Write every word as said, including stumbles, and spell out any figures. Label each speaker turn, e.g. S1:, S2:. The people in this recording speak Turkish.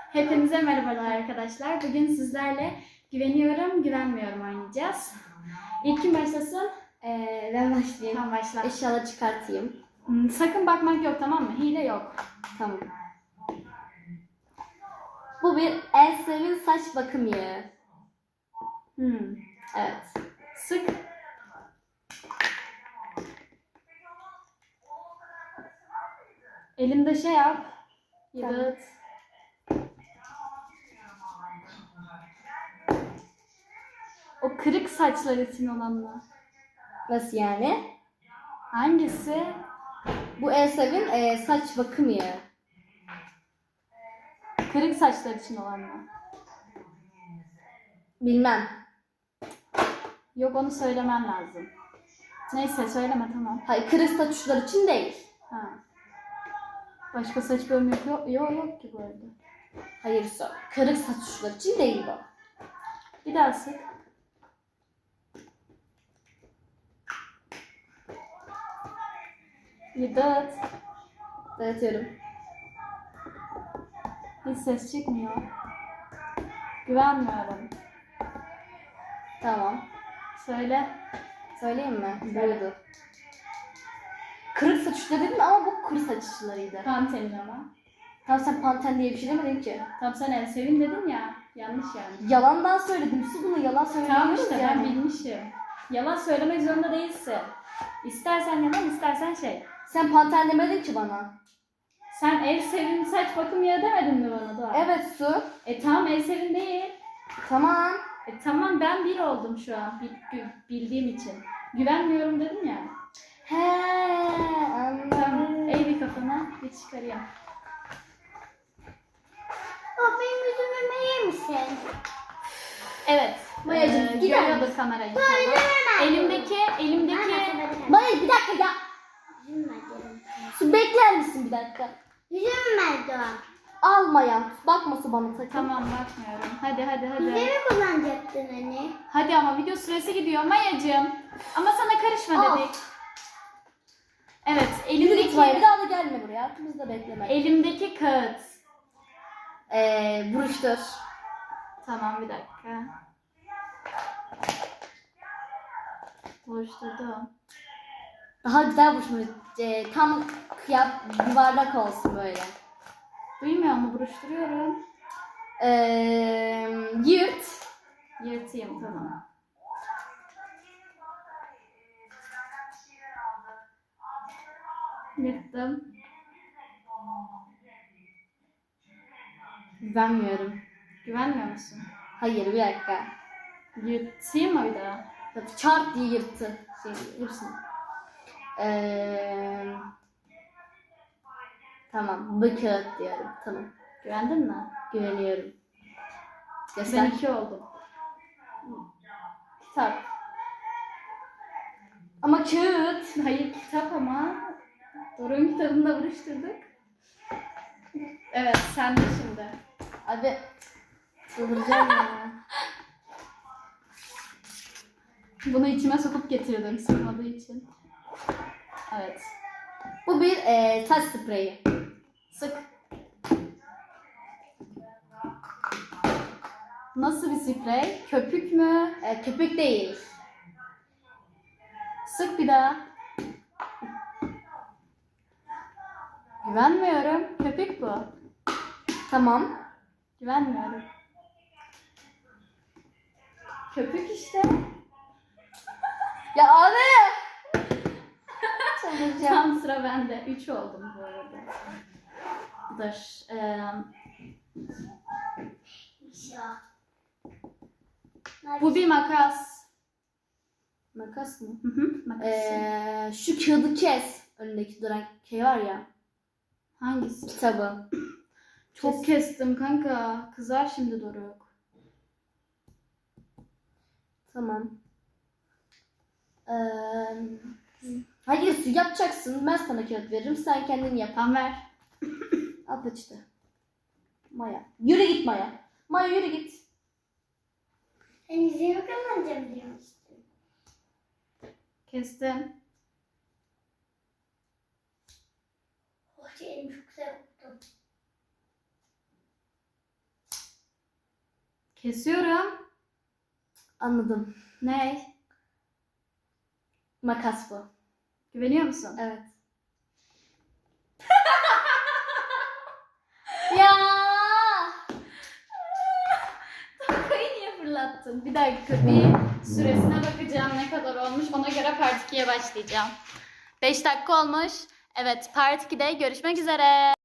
S1: Hepinize merhabalar arkadaşlar. Bugün sizlerle güveniyorum, güvenmiyorum oynayacağız. İlk kim başlasın?
S2: Ee, ben başlayayım.
S1: Tamam, başla.
S2: Eşyaları çıkartayım.
S1: Hmm, sakın bakmak yok, tamam mı? Hile yok.
S2: Tamam. Bu bir Elsevin saç bakım yağı.
S1: Hmm.
S2: Evet.
S1: Sık. Elimde şey yap. Yıldız. O kırık saçlar için olan mı?
S2: Nasıl yani?
S1: Hangisi?
S2: Bu Elsevin e, saç bakım yağı.
S1: Kırık saçlar için olan mı?
S2: Bilmem.
S1: Yok, onu söylemen lazım. Neyse, söyleme, tamam.
S2: Hayır, kırık saç uçları için değil.
S1: Ha. Başka saç bölümü yok, yok, yok, yok ki bu arada.
S2: Hayır, so- kırık saç uçları için değil bu.
S1: Bir daha sık. Yıldız.
S2: Dağıtıyorum.
S1: Hiç ses çıkmıyor. Güvenmiyorum.
S2: Tamam.
S1: Söyle.
S2: Söyleyeyim mi? Buydu. Kırık saç uçları dedin ama bu kuru saç uçlarıydı.
S1: Pantenin ama.
S2: Tamam, sen Panten diye bir şey demedin ki.
S1: Tam sen el sevin dedin ya. Yanlış yani.
S2: Yalandan söyledim. Su bunu yalan
S1: Tamam
S2: söylemiyoruz
S1: işte, ben
S2: yani.
S1: bilmişim. Yalan söylemek zorunda değilsin. İstersen yalan, istersen şey.
S2: Sen Panten demedin ki bana.
S1: Sen el sevin saç bakım yağı demedin mi bana Doğa?
S2: Evet Su.
S1: E tamam, el sevin değil.
S2: Tamam.
S1: E tamam, ben bir oldum şu an bil- bildiğim için. Güvenmiyorum dedim ya.
S2: He,
S1: Tamam,
S2: anladım.
S1: eğ bir kafana, bir çıkarayım.
S3: Baba benim yüzümü yer misin?
S1: Evet.
S2: Mayacığım,
S1: eee,
S2: gider
S1: görüyordur
S2: misin?
S1: kamerayı.
S3: Böyle hemen.
S1: Elimdeki, elimdeki...
S2: Maya bir dakika ya.
S3: Yüzümü ver diyorum.
S2: Su bekler misin bir dakika?
S3: Yüzümü ver Doğan.
S2: Almaya. Bakması bana sakın.
S1: Tamam, bakmıyorum. Hadi hadi hadi.
S3: Yüzümü kullanacaktın anne.
S1: Hadi ama video süresi gidiyor Mayacığım. Ama sana karışma
S2: Al.
S1: dedik. Evet,
S2: Yürü git Maya. Bir
S1: elimdeki,
S2: daha da gelme buraya. Arkamızda bekleme.
S1: elimdeki kağıt.
S2: Eee buruştur.
S1: Tamam, bir dakika. Oluşturdum.
S2: Daha güzel buruşmuş. Eee, tam kıyap yuvarlak olsun böyle.
S1: Duymuyor mu? Buruşturuyorum.
S2: Eee yırt.
S1: Yırtayım, tamam. Yırttım.
S2: Güvenmiyorum.
S1: Güvenmiyor musun?
S2: Hayır bir dakika.
S1: Yırtayım mı bir daha?
S2: Çarp diye yırttı. Şey, hepsini. Eee tamam. Bu kağıt diyorum. Tamam.
S1: Güvendin mi?
S2: Güveniyorum.
S1: Ben
S2: Göster.
S1: iki oldum.
S2: Kitap. Ama kağıt.
S1: Hayır, kitap ama. Doruk'un kitabını da buruşturduk. Evet, sen de şimdi.
S2: Abi. Çıldıracağım ya.
S1: Bunu içime sokup getirdim sığmadığı için. Evet.
S2: Bu bir eee saç spreyi.
S1: Sık. Nasıl bir sprey? Köpük mü?
S2: Eee, köpük değil.
S1: Sık bir daha. Güvenmiyorum. Köpük bu.
S2: Tamam.
S1: Güvenmiyorum. Köpük işte.
S2: Ya abi. Çıldıracağım.
S1: Tam sıra bende. Üç oldum bu arada. Dur. Ee, bu bir makas.
S2: Makas mı?
S1: Hı hı, makas.
S2: Eee şu kağıdı kes. Önündeki duran şey var ya.
S1: Hangisi?
S2: Kitabı.
S1: Çok kestim kanka. Kızar şimdi Doruk.
S2: Tamam. Eee hayır su yapacaksın. Ben sana kağıt veririm. Sen kendin yap.
S1: Tamam, ver.
S2: Al işte. Maya. Yürü git Maya. Maya yürü git.
S3: Ben yüzümü kullanacağım demiştim.
S1: Kestim.
S3: Oh elim çok güzel koktu.
S1: Kesiyorum.
S2: Anladım.
S1: Ne?
S2: Makas bu.
S1: Güveniyor musun?
S2: Evet. Ya.
S1: Tokayı niye fırlattın? Bir dakika bir süresine bakacağım ne kadar olmuş. Ona göre part ikiye başlayacağım. beş dakika olmuş. Evet part ikide görüşmek üzere.